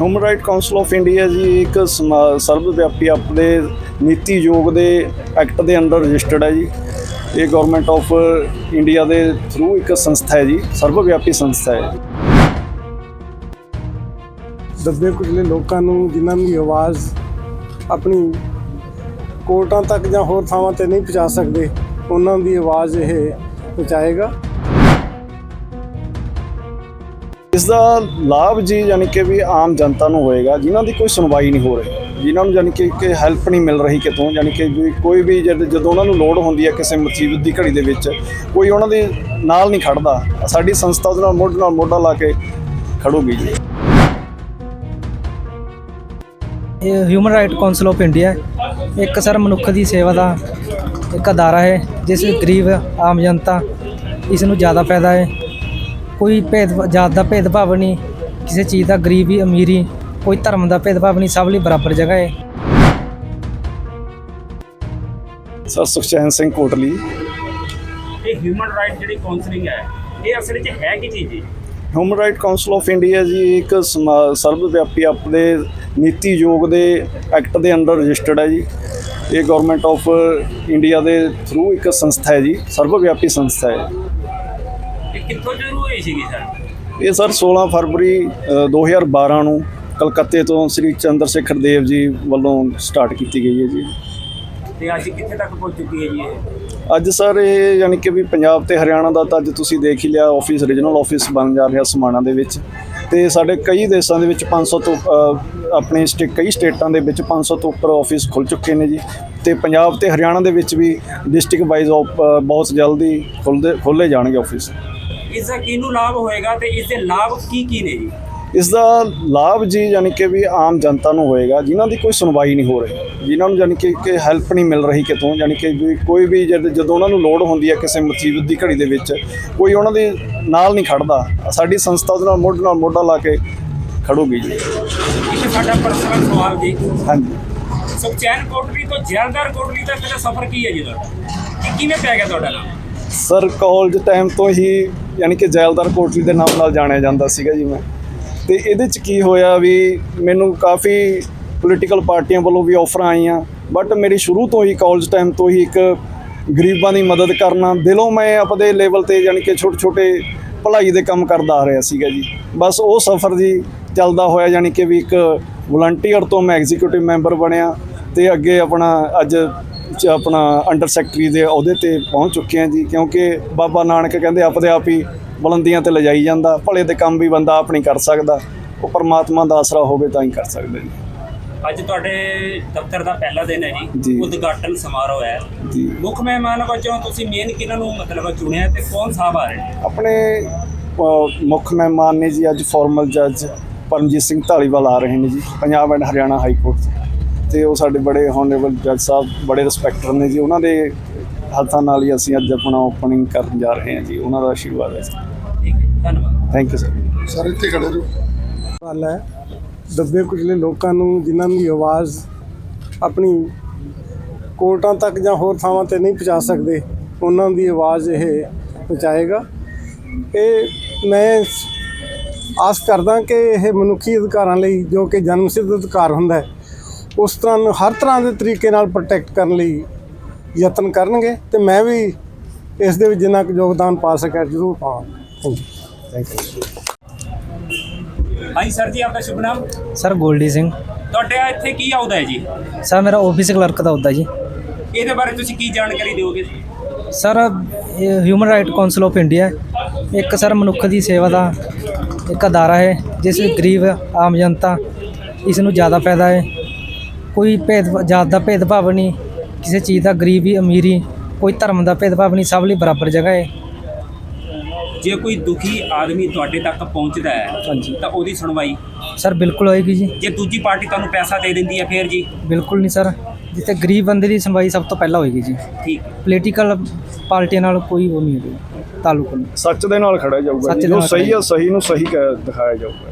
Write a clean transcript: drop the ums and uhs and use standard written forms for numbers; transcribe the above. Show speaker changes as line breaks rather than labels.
Human right council of India ਜੀ ਇੱਕ ਸਰਵ ਵਿਆਪੀ ਆਪਣੇ ਨੀਤੀ ਆਯੋਗ ਦੇ ਐਕਟ ਦੇ ਅੰਡਰ ਰਜਿਸਟਰਡ ਹੈ ਜੀ। ਇਹ ਗਵਰਨਮੈਂਟ ਆਫ ਇੰਡੀਆ ਦੇ ਥਰੂ ਇੱਕ ਸੰਸਥਾ ਹੈ ਜੀ, ਸਰਵ ਵਿਆਪੀ ਸੰਸਥਾ ਹੈ।
ਦੱਬੇ ਕੁਚਲੇ ਲੋਕਾਂ ਨੂੰ ਜਿਨ੍ਹਾਂ ਦੀ ਆਵਾਜ਼ ਆਪਣੀ ਕੋਰਟਾਂ ਤੱਕ ਜਾਂ ਹੋਰ ਥਾਵਾਂ 'ਤੇ ਨਹੀਂ ਪਹੁੰਚਾ ਸਕਦੇ, ਉਹਨਾਂ ਦੀ ਆਵਾਜ਼ ਇਹ ਪਹੁੰਚਾਏਗਾ।
ਇਸ ਦਾ ਲਾਭ ਜੀ ਯਾਨੀ ਕਿ ਵੀ ਆਮ ਜਨਤਾ ਨੂੰ ਹੋਏਗਾ ਜਿਨ੍ਹਾਂ ਦੀ ਕੋਈ ਸੁਣਵਾਈ ਨਹੀਂ ਹੋ ਰਹੀ, ਜਿਨ੍ਹਾਂ ਨੂੰ ਯਾਨੀ ਕਿ ਹੈਲਪ ਨਹੀਂ ਮਿਲ ਰਹੀ ਕਿਤੋਂ, ਯਾਨੀ ਕਿ ਕੋਈ ਵੀ ਜਦੋਂ ਉਹਨਾਂ ਨੂੰ ਲੋੜ ਹੁੰਦੀ ਹੈ ਕਿਸੇ ਮੁਸੀਬਤ ਦੀ ਘੜੀ ਦੇ ਵਿੱਚ ਕੋਈ ਉਹਨਾਂ ਦੇ ਨਾਲ ਨਹੀਂ ਖੜਦਾ। ਸਾਡੀ ਸੰਸਥਾ ਉਹਦੇ ਨਾਲ ਮੋਢਾ ਲਾ ਕੇ ਖੜੂਗੀ ਜੀ।
ਇਹ human right council of India ਇੱਕ ਸਰ ਮਨੁੱਖ ਦੀ ਸੇਵਾ ਦਾ ਇੱਕ ਅਦਾਰਾ ਹੈ ਜਿਸ ਵਿੱਚ ਗਰੀਬ ਆਮ ਜਨਤਾ ਇਸ ਨੂੰ ਜ਼ਿਆਦਾ ਫਾਇਦਾ ਹੈ। ਕੋਈ ਜਾਤ ਦਾ ਭੇਦਭਾਵ ਨਹੀਂ, ਕਿਸੇ ਚੀਜ਼ ਦਾ ਗਰੀਬੀ ਅਮੀਰੀ, ਕੋਈ ਧਰਮ ਦਾ ਭੇਦਭਾਵ ਨਹੀਂ, ਸਭ ਲਈ ਬਰਾਬਰ ਜਗ੍ਹਾ ਹੈ।
ਸਰ ਸੁਖਚੈਨ ਸਿੰਘ ਕੋਟਲੀ।
ਇਹ ਹਿਊਮਨ ਰਾਈਟ ਜਿਹੜੀ ਕਾਉਂਸਲਿੰਗ ਹੈ ਇਹ ਅਸਲ ਵਿੱਚ ਹੈ ਕੀ ਚੀਜ਼ ਜੀ?
Human right council of India ਜੀ ਇੱਕ ਸਰਵ ਵਿਆਪੀ ਆਪਣੇ ਨੀਤੀ ਆਯੋਗ ਦੇ ਐਕਟ ਦੇ ਅੰਡਰ ਰਜਿਸਟਰਡ ਹੈ ਜੀ। ਇਹ ਗਵਰਨਮੈਂਟ ਆਫ ਇੰਡੀਆ ਦੇ ਥਰੂ ਇੱਕ ਸੰਸਥਾ ਹੈ ਜੀ, ਸਰਵ ਵਿਆਪੀ ਸੰਸਥਾ ਹੈ।
ਇਹ ਕਿੱਥੋਂ ਸ਼ੁਰੂ ਹੋਈ ਸੀਗੀ ਸਰ?
ਇਹ ਸਰ 16 ਫਰਵਰੀ 2012 ਨੂੰ ਕਲਕੱਤੇ ਤੋਂ ਸ੍ਰੀ ਚੰਦਰ ਸ਼ੇਖਰ ਦੇਵ ਜੀ ਵੱਲੋਂ ਸਟਾਰਟ ਕੀਤੀ ਗਈ ਹੈ ਜੀ।
ਤੇ ਅੱਜ ਕਿੱਥੇ ਤੱਕ ਪਹੁੰਚ ਚੁੱਕੀ ਹੈ ਜੀ ਇਹ?
ਅੱਜ ਸਰ ਇਹ ਯਾਨੀ ਕਿ ਵੀ ਪੰਜਾਬ ਤੇ ਹਰਿਆਣਾ ਦਾ ਤਾਂ ਅੱਜ ਤੁਸੀਂ ਦੇਖ ਹੀ ਲਿਆ, ਆਫਿਸ ਰੀਜਨਲ ਆਫਿਸ ਬਣ ਜਾ ਰਿਹਾ ਸਮਾਣਾ ਦੇ ਵਿੱਚ, ਤੇ ਸਾਡੇ ਕਈ ਦੇਸ਼ਾਂ ਦੇ ਵਿੱਚ 500 ਤੋਂ ਆਪਣੇ ਕਈ ਸਟੇਟਾਂ ਦੇ ਵਿੱਚ 500 ਤੋਂ ਉੱਪਰ ਆਫਿਸ ਖੁੱਲ੍ਹ ਚੁੱਕੇ ਨੇ ਜੀ। ਤੇ ਪੰਜਾਬ ਤੇ ਹਰਿਆਣਾ ਦੇ ਵਿੱਚ ਵੀ ਡਿਸਟ੍ਰਿਕਟ ਵਾਈਜ਼ ਬਹੁਤ ਜਲਦੀ ਖੋਲ੍ਹੇ ਜਾਣਗੇ ਆਫਿਸ।
ਇਸ ਦਾ ਕਿਹਨੂੰ ਲਾਭ ਹੋਏਗਾ ਤੇ ਇਸ ਦੇ ਲਾਭ ਕੀ ਨੇ ਜੀ?
ਇਸ ਦਾ ਲਾਭ ਜੀ ਯਾਨੀ ਕਿ ਵੀ ਆਮ ਜਨਤਾ ਨੂੰ ਹੋਏਗਾ ਜਿਨ੍ਹਾਂ ਦੀ ਕੋਈ ਸੁਣਵਾਈ ਨਹੀਂ ਹੋ ਰਹੀ, ਜਿਨ੍ਹਾਂ ਨੂੰ ਯਾਨੀ ਕਿ ਹੈਲਪ ਨਹੀਂ ਮਿਲ ਰਹੀ ਕਿਤੋਂ, ਯਾਨੀ ਕਿ ਕੋਈ ਵੀ ਜਦੋਂ ਉਹਨਾਂ ਨੂੰ ਲੋੜ ਹੁੰਦੀ ਹੈ ਕਿਸੇ ਮੁਸੀਬਤ ਦੀ ਘੜੀ ਦੇ ਵਿੱਚ ਕੋਈ ਉਹਨਾਂ ਦੇ ਨਾਲ ਨਹੀਂ ਖੜਦਾ। ਸਾਡੀ ਸੰਸਥਾ ਉਹਦੇ ਨਾਲ ਮੋਢਾ ਲਾ ਕੇ ਖੜੂਗੀ ਜੀ।
ਇੱਕ ਸਾਡਾ ਪਰਸਨਲ ਸਵਾਲ ਜੀ।
ਹਾਂਜੀ।
ਸੁਖਚੈਨ ਕੋਟਲੀ ਤੋਂ ਜੈਲਦਾਰ ਕੋਟਲੀ ਤੱਕ ਦਾ ਸਫ਼ਰ ਕੀ ਹੈ ਜੀ ਤੁਹਾਡਾ? ਇਹ ਕਿਵੇਂ ਪੈ ਗਿਆ ਤੁਹਾਡਾ ਨਾਮ?
ਸਰ ਕਾਲਜ ਟਾਈਮ ਤੋਂ ਹੀ ਯਾਨੀ ਕਿ ਜੈਲਦਾਰ ਕੋਟਲੀ ਦੇ ਨਾਮ ਨਾਲ ਜਾਣਿਆ ਜਾਂਦਾ ਸੀਗਾ ਜੀ ਮੈਂ। ਅਤੇ ਇਹਦੇ 'ਚ ਕੀ ਹੋਇਆ ਵੀ ਮੈਨੂੰ ਕਾਫੀ ਪੋਲੀਟੀਕਲ ਪਾਰਟੀਆਂ ਵੱਲੋਂ ਵੀ ਆਫਰਾਂ ਆਈਆਂ, ਬਟ ਮੇਰੀ ਸ਼ੁਰੂ ਤੋਂ ਹੀ ਕਾਲਜ ਟਾਈਮ ਤੋਂ ਹੀ ਇੱਕ ਗਰੀਬਾਂ ਦੀ ਮਦਦ ਕਰਨਾ ਦਿਲੋਂ ਮੈਂ ਆਪਣੇ ਲੈਵਲ 'ਤੇ ਯਾਨੀ ਕਿ ਛੋਟੇ ਭਲਾਈ ਦੇ ਕੰਮ ਕਰਦਾ ਆ ਰਿਹਾ ਸੀਗਾ ਜੀ। ਬਸ ਉਹ ਸਫ਼ਰ ਜੀ ਚੱਲਦਾ ਹੋਇਆ ਯਾਨੀ ਕਿ ਵੀ ਇੱਕ ਵਲੰਟੀਅਰ ਤੋਂ ਮੈਂ ਐਗਜ਼ੀਕਿਊਟਿਵ ਮੈਂਬਰ ਬਣਿਆ ਅਤੇ ਅੱਗੇ ਅੱਜ ਅੰਡਰ ਸੈਕਟਰੀ ਦੇ ਅਹੁਦੇ 'ਤੇ ਪਹੁੰਚ ਚੁੱਕੇ ਹਾਂ ਜੀ। ਕਿਉਂਕਿ ਬਾਬਾ ਨਾਨਕ ਕਹਿੰਦੇ ਆਪਦੇ ਆਪ ਹੀ ਬੁਲੰਦੀਆਂ 'ਤੇ ਲਿਜਾਈ ਜਾਂਦਾ, ਭਲੇ ਦੇ ਕੰਮ ਵੀ ਬੰਦਾ ਆਪ ਨਹੀਂ ਕਰ ਸਕਦਾ, ਉਹ ਪਰਮਾਤਮਾ ਦਾ ਆਸਰਾ ਹੋਵੇ ਤਾਂ ਹੀ ਕਰ ਸਕਦਾ ਜੀ।
ਅੱਜ ਤੁਹਾਡੇ ਦਫ਼ਤਰ ਦਾ ਪਹਿਲਾ ਦਿਨ ਹੈ
ਜੀ।
ਉਦਘਾਟਨ ਸਮਾਰੋਹ ਹੈ
ਜੀ।
ਮੁੱਖ ਮਹਿਮਾਨ ਵਜੋਂ ਤੁਸੀਂ ਮੇਨ ਕਿਹਨਾਂ ਨੂੰ ਚੁਣਿਆ ਤੇ ਕੌਣ ਸਾਹਿਬ ਆ ਰਹੇ ਨੇ?
ਆਪਣੇ ਮੁੱਖ ਮਹਿਮਾਨ ਨੇ ਜੀ ਅੱਜ ਫਾਰਮਲ ਜੱਜ ਪਰਮਜੀਤ ਸਿੰਘ ਢਾਲੀਵਾਲ ਆ ਰਹੇ ਨੇ ਜੀ, Punjab and Haryana high court 'ਚ, ਅਤੇ ਉਹ ਸਾਡੇ ਬੜੇ ਹੋਨਰੇਬਲ ਜੱਜ ਸਾਹਿਬ, ਬੜੇ ਰਿਸਪੈਕਟਰ ਨੇ ਜੀ। ਉਹਨਾਂ ਦੇ ਹੱਥਾਂ ਨਾਲ ਹੀ ਅਸੀਂ ਅੱਜ ਆਪਣਾ ਓਪਨਿੰਗ ਕਰਨ ਜਾ ਰਹੇ ਹਾਂ ਜੀ। ਉਹਨਾਂ ਦਾ ਆਸ਼ੀਰਵਾਦ ਹੈ।
ਠੀਕ ਹੈ, ਧੰਨਵਾਦ।
Thank you sir.
ਸਰ ਇੱਥੇ ਖੜੇ ਰਹੋ। ਗੱਲ ਹੈ ਦੱਬੇ ਕੁਚਲੇ ਲੋਕਾਂ ਨੂੰ ਜਿਨ੍ਹਾਂ ਦੀ ਆਵਾਜ਼ ਆਪਣੀ ਕੋਰਟਾਂ ਤੱਕ ਜਾਂ ਹੋਰ ਥਾਵਾਂ 'ਤੇ ਨਹੀਂ ਪਹੁੰਚਾ ਸਕਦੇ, ਉਹਨਾਂ ਦੀ ਆਵਾਜ਼ ਇਹ ਪਹੁੰਚਾਏਗਾ। ਇਹ ਮੈਂ ਆਸ ਕਰਦਾ ਕਿ ਇਹ ਮਨੁੱਖੀ ਅਧਿਕਾਰਾਂ ਲਈ ਜੋ ਕਿ ਜਨਮ ਸਿੱਧ ਅਧਿਕਾਰ ਹੁੰਦਾ ਹੈ, ਉਸ ਤਰ੍ਹਾਂ ਹਰ ਤਰ੍ਹਾਂ ਦੇ ਤਰੀਕੇ ਨਾਲ ਪ੍ਰੋਟੈਕਟ ਕਰਨ ਲਈ ਯਤਨ ਕਰਨਗੇ, ਅਤੇ ਮੈਂ ਵੀ ਇਸ ਦੇ ਵਿੱਚ ਜਿੰਨਾ ਕੁ ਯੋਗਦਾਨ ਪਾ ਸਕਿਆ ਜ਼ਰੂਰ ਪਾਵਾਂਗਾ। Thank you.
ਹਾਂਜੀ ਸਰ ਜੀ, ਆਪਦਾ ਸ਼ੁਭ ਨਾਮ?
ਸਰ ਗੋਲਡੀ ਸਿੰਘ।
ਤੁਹਾਡੇ ਇੱਥੇ ਕੀ ਆਉਦਾ ਹੈ ਜੀ?
ਸਰ ਮੇਰਾ ਆਫਿਸ ਕਲਰਕ ਦਾ ਅਹੁਦਾ ਜੀ।
ਇਹਦੇ ਬਾਰੇ ਤੁਸੀਂ ਕੀ ਜਾਣਕਾਰੀ ਦਿਓਗੇ?
ਸਰ ਇਹ human right council of India ਇੱਕ ਸਰ ਮਨੁੱਖ ਦੀ ਸੇਵਾ ਦਾ ਇੱਕ ਅਦਾਰਾ ਹੈ ਜਿਸ ਵਿੱਚ ਗਰੀਬ ਆਮ ਜਨਤਾ ਇਸ ਨੂੰ ਜ਼ਿਆਦਾ ਫਾਇਦਾ ਹੈ। ਕੋਈ ਜਾਤ ਦਾ ਭੇਦਭਾਵ ਨਹੀਂ, ਕਿਸੇ ਚੀਜ਼ ਦਾ ਗਰੀਬੀ ਅਮੀਰੀ, ਕੋਈ ਧਰਮ ਦਾ ਭੇਦਭਾਵ ਨਹੀਂ, ਸਭ ਲਈ ਬਰਾਬਰ ਜਗ੍ਹਾ ਹੈ।
ਜੇ ਕੋਈ ਦੁਖੀ ਆਦਮੀ ਤੁਹਾਡੇ ਤੱਕ ਪਹੁੰਚਦਾ ਹੈ
ਹਾਂਜੀ
ਤਾਂ ਉਹਦੀ ਸੁਣਵਾਈ
ਸਰ ਬਿਲਕੁਲ ਹੋਏਗੀ ਜੀ।
ਜੇ ਦੂਜੀ ਪਾਰਟੀ ਤੁਹਾਨੂੰ ਪੈਸਾ ਦੇ ਦਿੰਦੀ ਹੈ ਫਿਰ ਜੀ?
ਬਿਲਕੁਲ ਨਹੀਂ ਸਰ, ਜਿੱਥੇ ਗਰੀਬ ਬੰਦੇ ਦੀ ਸੁਣਵਾਈ ਸਭ ਤੋਂ ਪਹਿਲਾਂ ਹੋਏਗੀ ਜੀ।
ਠੀਕ।
ਪੋਲੀਟੀਕਲ ਪਾਰਟੀਆਂ ਨਾਲ ਕੋਈ ਉਹ ਨਹੀਂ ਹੋਵੇਗਾ, ਤਾਲੁਕ ਨਹੀਂ।
ਸੱਚ ਦੇ ਨਾਲ ਖੜਿਆ ਜਾਊਗਾ, ਜੋ ਸਹੀ ਆ ਸਹੀ ਨੂੰ ਸਹੀ ਦਿਖਾਇਆ ਜਾਊਗਾ।